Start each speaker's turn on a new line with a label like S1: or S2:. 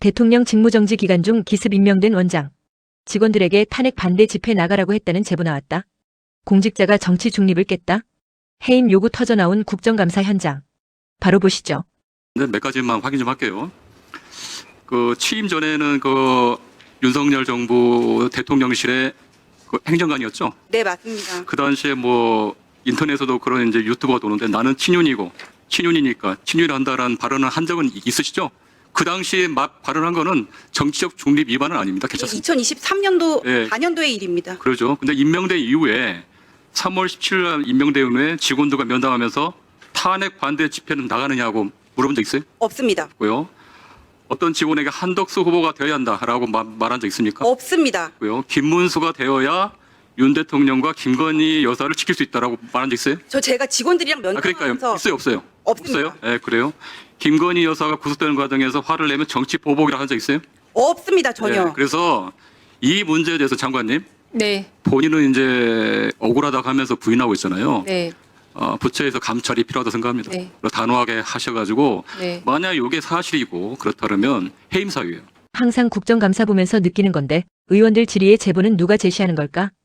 S1: 대통령 직무정지 기간 중 기습 임명된 원장. 직원들에게 탄핵 반대 집회 나가라고 했다는 제보 나왔다. 공직자가 정치 중립을 깼다. 해임 요구 터져나온 국정감사 현장. 바로 보시죠.
S2: 네, 몇 가지만 확인 좀 할게요. 그 취임 전에는 그 윤석열 정부 대통령실의 그 행정관이었죠.
S3: 네, 맞습니다.
S2: 그 당시에 뭐 인터넷에도 그런 이제 유튜버가 도는데 나는 친윤이니까 친윤을 한다라는 발언을 한 적은 있으시죠? 그 당시에 막 발언한 거는 정치적 중립 위반은 아닙니다. 괜찮습니다.
S3: 2023년도
S2: 네.
S3: 4년도의 일입니다.
S2: 그러죠. 근데 임명된 이후에 3월 17일 날 임명된 후에 직원들과 면담하면서 탄핵 반대 집회는 나가느냐고 물어본 적 있어요?
S3: 없습니다.
S2: 고요. 어떤 직원에게 한덕수 후보가 되어야 한다라고 말한 적 있습니까?
S3: 없습니다.
S2: 고요. 김문수가 되어야 윤 대통령과 김건희 여사를 지킬 수 있다라고 말한 적 있어요?
S3: 제가 직원들이랑
S2: 그러니까요.
S3: 면담하면서
S2: 있어요, 없어요?
S3: 없습니다.
S2: 없어요? 네, 그래요. 김건희 여사가 구속되는 과정에서 화를 내면 정치 보복이라 한 적 있어요?
S3: 없습니다. 전혀.
S2: 네, 그래서 이 문제에 대해서 장관님,
S4: 네,
S2: 본인은 이제 억울하다고 하면서 부인하고 있잖아요.
S4: 네,
S2: 부처에서 감찰이 필요하다고 생각합니다.
S4: 네.
S2: 단호하게 하셔가지고
S4: 네.
S2: 만약 이게 사실이고 그렇다면 해임 사유예요.
S1: 항상 국정감사 보면서 느끼는 건데 의원들 질의의 제보는 누가 제시하는 걸까?